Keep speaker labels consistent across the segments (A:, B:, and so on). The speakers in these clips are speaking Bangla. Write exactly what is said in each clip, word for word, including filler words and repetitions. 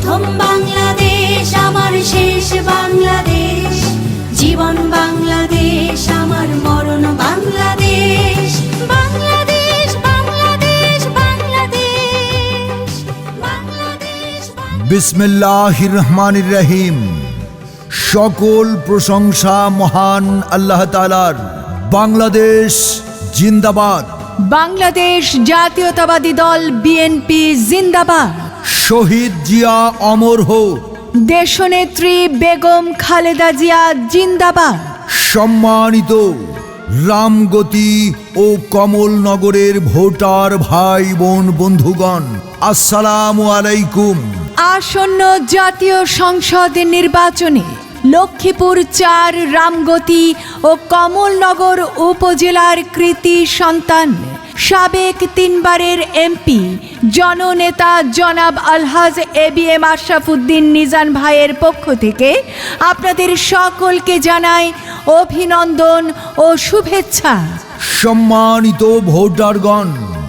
A: প্রথম বাংলাদেশ আমার শেষ বাংলাদেশ, জীবন বাংলাদেশ আমার মরণ বাংলাদেশ। বাংলাদেশ বাংলাদেশ বাংলাদেশ বাংলাদেশ।
B: বিসমিল্লাহির রহমানির রহিম। সকল প্রশংসা মহান আল্লাহ তাআলার। বাংলাদেশ জিন্দাবাদ।
C: বাংলাদেশ জাতীয়তাবাদী দল বিএনপি জিন্দাবাদ।
B: শহীদ জিয়া অমর হোক।
C: দেশনেত্রী বেগম খালেদা জিয়া জিন্দাবাদ।
B: সম্মানিত রামগতি ও কমলনগরের ভোটার ভাই বোন বন্ধুগণ, আসসালামু আলাইকুম।
C: আসন্ন জাতীয় সংসদ নির্বাচনে লক্ষ্মীপুর চার রামগতি ও কমলনগর উপজেলার কৃতি সন্তান সাবেক তিনবারের এমপি জননেতা জনাব আলহাজ A B M Ashraf Uddin Nizan ভাইয়ের পক্ষ থেকে আপনাদের সকলকে জানাই অভিনন্দন ও শুভেচ্ছা।
B: সম্মানিত ভোটারগণ,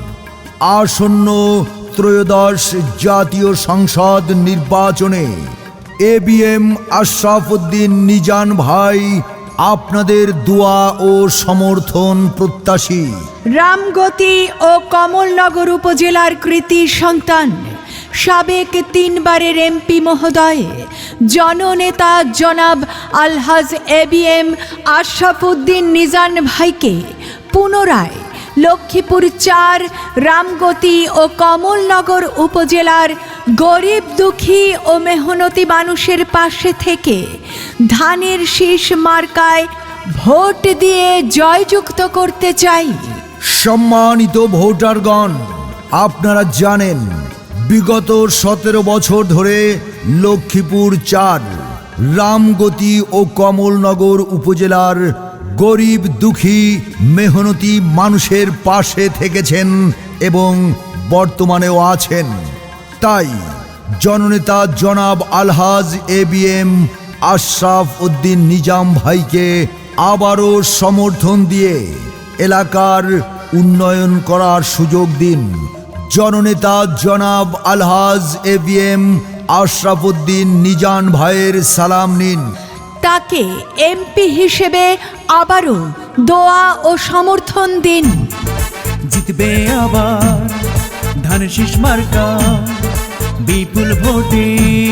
B: আসন্ন ত্রয়োদশ জাতীয় সংসদ নির্বাচনে A B M Ashraf Uddin Nizan ভাই আপনাদের দোয়া ও সমর্থন প্রত্যাশী।
C: রামগতি ও কমলনগর উপজেলার কৃতি সন্তান সাবেক তিনবারের এমপি মহোদয় জননেতা জনাব আলহাজ A B M Ashraf Uddin Nizan ভাইকে পুনরায় লক্ষ্মীপুর চার রামগতি ও কমলনগর উপজেলার গরিব দুঃখী ও মেহনতি মানুষের পাশে থেকে ধানের শীষ মার্কায় ভোট দিয়ে জয়যুক্ত করতে চাই।
B: সম্মানিত ভোটারগণ, আপনারা জানেন বিগত সতেরো বছর ধরে লক্ষ্মীপুর চার রামগতি ও কমলনগর উপজেলার গরিব দুঃখী মেহনতি মানুষের পাশে থেকেছেন এবং বর্তমানেও আছেন। তাই জননেতা জনাব আলহাজ A B M Ashraf Uddin Nizam ভাইকে আবারও সমর্থন দিয়ে এলাকার উন্নয়ন করার সুযোগ দিন। জননেতা জনাব আলহাজ A B M Ashraf Uddin Nizan ভাইয়ের সালাম নিন।
C: তাকে এমপি হিসেবে আবারও দোয়া ও সমর্থন দিন।
D: জিতবে আবার ধানের শীষ মার্কা, বিপুল ভোটে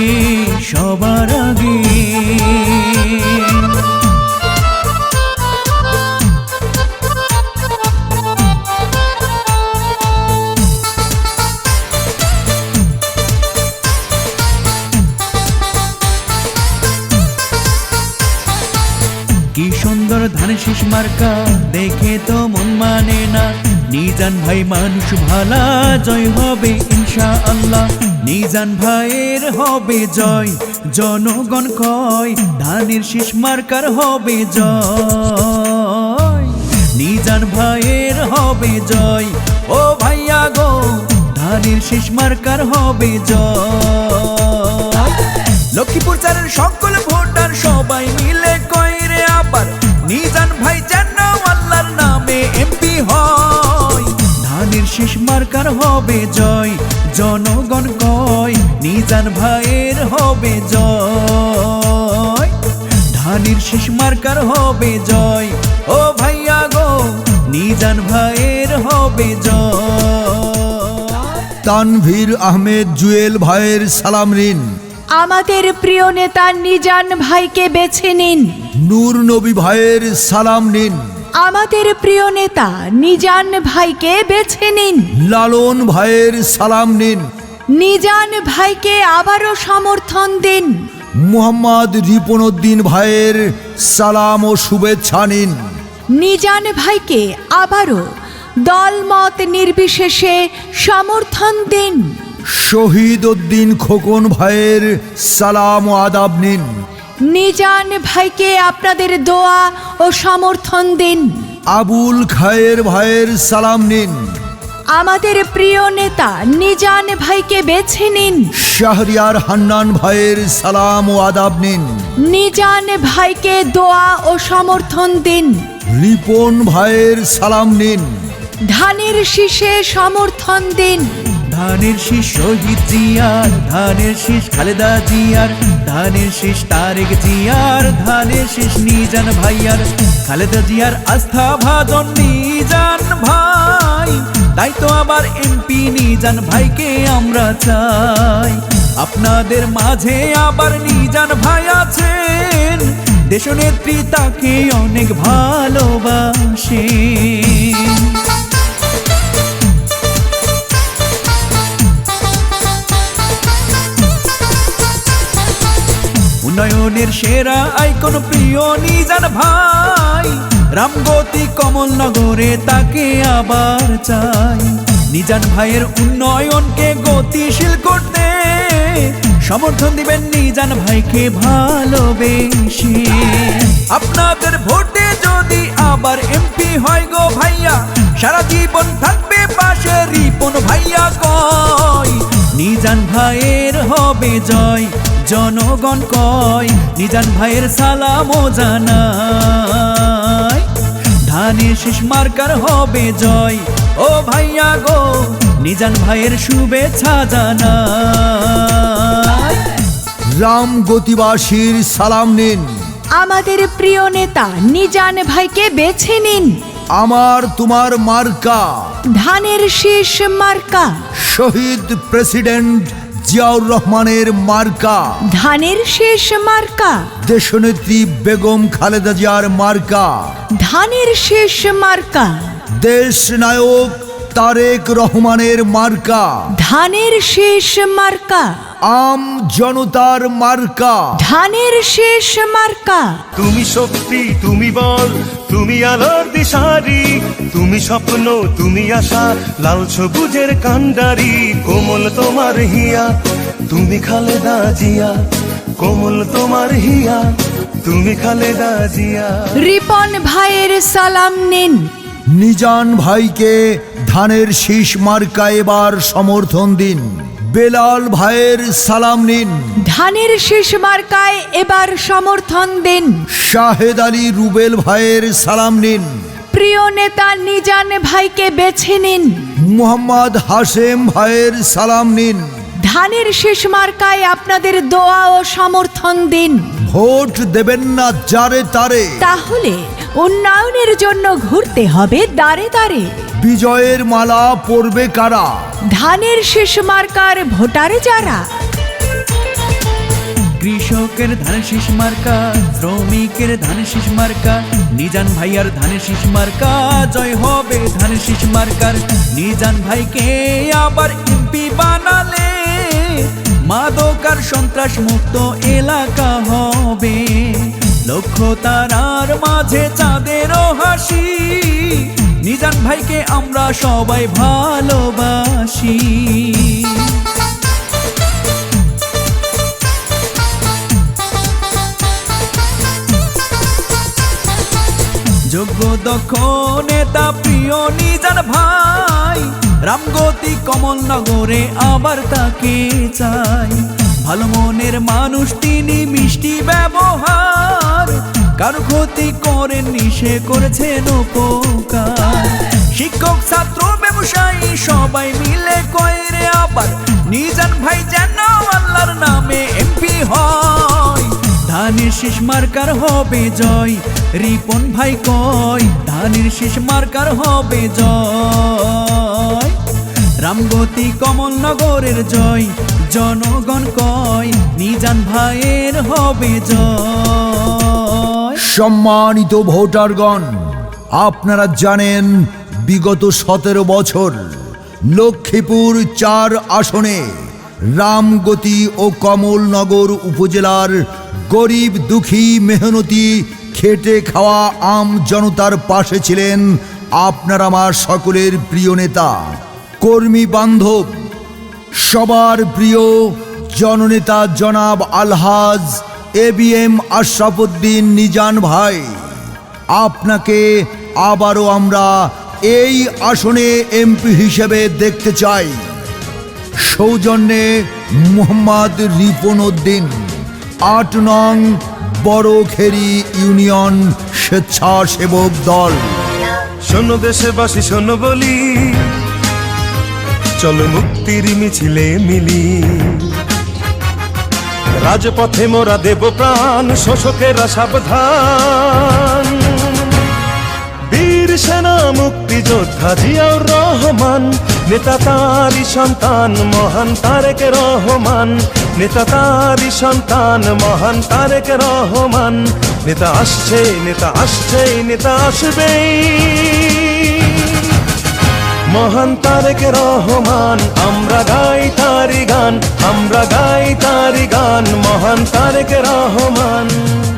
D: সবার আগে। কি সুন্দর ধানের শীষ মার্কা, দেখে তো মন মানে না। নিজান ভাই মানুষ ভালা, জয় হবে ইনশাআল্লাহ। নিজান ভাইয়ের হবে জয়, জনগণ কয় ধানের শীষ মার্কার হবে জয়। নিজান ভাইয়ের হবে জয়, ও ভাইয়া গো ধানের শীষ মার্কার হবে জয়। লক্ষ্মীপুর চারের সকল ভোটার সবাই মিলে কয় রে আবার নিজান ভাই যেন আল্লাহর নামে এমপি হয়। ধানের শীষ মার্কার হবে জয়, জনগণ কয় নিজান ভাইয়ের হবে জয়। ধানের শীষ মার্কার হবে জয়, ও ভাইয়া গো নিজান ভাইয়ের হবে জয়।
B: তানভীর আহমেদ জুয়েল ভাইয়ের সালাম নিন।
C: আমাদের প্রিয় নেতা নিজান ভাইকে বেছে নিন।
B: নূর নবী ভাইয়ের সালাম নিন।
C: আমাদের প্রিয় নেতা নিজান ভাইকে বেছে নিন।
B: লালন ভাইয়ের সালাম নিন।
C: নিজান ভাইকে আবারও সমর্থন দিন।
B: মুহাম্মদ রিপন উদ্দিন ভাইয়ের সালাম ও শুভেচ্ছা নিন।
C: নিজান ভাইকে আবারও দলমত নির্বিশেষে সমর্থন দিন।
B: শহীদ উদ্দিন খোকন ভাইয়ের সালাম ও আদাব নিন।
C: নিজান ভাইকে আপনাদের দোয়া ও সমর্থন দিন।
B: আবুল খায়ের ভাইয়ের সালাম নিন।
C: আমাদের প্রিয় নেতা নিজান ভাইকে বেছে নিন।
B: শাহরিয়ার হান্নান ভাইয়ের সালাম ও আদাব নিন।
C: নিজান ভাইকে দোয়া ও সমর্থন দিন।
B: রিপন ভাইয়ের সালাম নিন।
C: ধানের শীষে সমর্থন দিন।
D: ধানের শীষ শহীদ জিয়ার, ধানের শীষ খালেদা জিয়ার, ধানের শীষ তারেক জিয়ার, ধানের শীষ নিজান ভাইয়ার। খালেদা জিয়ার আস্থা ভাজন নিজান ভাই, তাই তো আবার এমপি নিজান ভাইকে আমরা চাই। আপনাদের মাঝে আবার নিজান ভাই আছেন, দেশনেত্রী তাকে অনেক ভালোবাসে। উন্নয়নের সেরা আইকন প্রিয় নিজান ভাই, রামগতি কমলনগরে তাকে আবার চাই। নিজান ভাইয়ের উন্নয়নকে গতিশীল করতে সমর্থন দিবেন নিজান ভাইকে ভালোবেসে। আপনাদের ভোটে যদি আবার এমপি হয় গো ভাইয়া, সারা জীবন থাকবে পাশে রিপন ভাইয়া কয়। নিজান ভাইয়ের হবে জয়, জনগণ কয়, নিজান ভাইয়ের সালামও জানায়। ধানের শীষ মার্কার হবে জয়, ও ভাইয়া গো, নিজান ভাইয়ের শুভেচ্ছা জানায়।
B: রাম গতিবাসীর সালাম নিন,
C: আমাদের প্রিয় নেতা নিজান ভাইকে বেছে নিন।
B: আমার তোমার মার্কা
C: ধানের শীষ মার্কা,
B: শহীদ প্রেসিডেন্ট জিয়াউর রহমানের মার্কা,
C: ধানের শীষ মার্কা,
B: দেশনেত্রী বেগম খালেদা জিয়ার মার্কা,
C: ধানের শীষ মার্কা,
B: দেশ নায়ক তারেক রহমানের মার্কা,
C: ধানের শীষ মার্কা,
B: আম জনতার মার্কা,
C: ধানের শীষ মার্কা।
E: তুমি শক্তি, তুমি বল, তুমি আলোর দিশারি, তুমি স্বপ্ন, তুমি আশা, লাল সবুজের কান্ডারি। কোমল তোমার হিয়া, তুমি খালেদা জিয়া, কোমল তোমার হিয়া, তুমি খালেদা জিয়া।
C: রিপন ভাইয়ের সালাম নিন।
B: নিজান ভাইকে ধানের শীষ মার্কা এবার সমর্থন দিন। বেলাল ভাইয়ের সালাম নিন,
C: ধানের শীষ মার্কায় এবার সমর্থন দিন।
B: শাহেদ আলী রুবেল ভাইয়ের সালাম নিন,
C: প্রিয় নেতা নিজান ভাইকে বেছে নিন।
B: মুহাম্মদ হাশেম ভাইয়ের সালাম নিন।
C: ধানের শীষ মার্কায় আপনাদের দোয়া ও সমর্থন দিন।
B: ভোট দেবেন না যারে তারে,
C: তাহলে উন্নয়নের জন্য ঘুরতে হবে দাঁড়ে দাঁড়ে।
B: বিজয়ের মালা পরবে কারা,
C: ধানের শীষ মার্কার ভোটার যারা।
D: কৃষকের ধানের শীষ মার্কা, শ্রমিকের ধানের শীষ মার্কা, নিজান ভাইয়ার ধানের শীষ মার্কা, জয় হবে ধানের শীষ মার্কার। নিজান ভাইকে আবার এমপি বানালে মাদক আর সন্ত্রাস মুক্ত এলাকা হবে। লক্ষ্য তারার মাঝে চাঁদেরও হাসি, নিজান ভাইকে আমরা সবাই ভালোবাসি। যোগ্য দক্ষ নেতা প্রিয় নিজান ভাই, রামগতি কমলনগরে আবার তাকে চাই। ভালো মনের মানুষ তিনি, মিষ্টি ব্যবহার, কারো ক্ষতি করেননি, সে করেছেন উপকার। শিক্ষক ছাত্র ব্যবসায়ী সবাই মিলে কয় রে আবার, নিজান ভাই যেন আল্লাহর নামে এমপি হয়। ধানের শীষ মার্কার হবে জয়, রিপন ভাই কয়, ধানের শীষ মার্কার হবে জয়। রামগতি কমলনগরের জয়, জনগণ কয়, নিজান ভাইয়ের হবে জয়।
B: সম্মানিত ভোটারগণ, আপনারা জানেন বিগত সতেরো বছর লক্ষ্মীপুর চার আসনে রামগতি ও কমলনগর উপজেলার গরিব দুঃখী মেহনতি খেটে খাওয়া আম জনতার পাশে ছিলেন আপনার আমার সকলের প্রিয় নেতা, কর্মী বান্ধব, সবার প্রিয় জননেতা জনাব আলহাজ A B M Ashrafuddin Nizan ভাই। আপনাকে আবারও আমরা এই আসনে এমপি হিসেবে দেখতে চাই। সৌজন্যে মোহাম্মদ রিপন উদ্দিন, আট নং বড়খেরি ইউনিয়ন স্বেচ্ছাসেবক দল।
E: শোনো দেশবাসী শোনো বলি, চলো মুক্তির মিছিলে মিলি, রাজপথে মোরা দেব প্রাণ, শোষকেরা সাবধান। বীর সেনা মুক্তিযোদ্ধা জিয়াউর রহমান, নেতা তারই সন্তান মহান তারেক রহমান, নেতা তারই সন্তান মহান তারেক রহমান। নেতা আসছে, নেতা আসছে, নেতা আসবেই, মহান তারেক রহমান। আমরা গাই তারি গান, আমরা গাই তারি গান, মহান তারেক রহমান।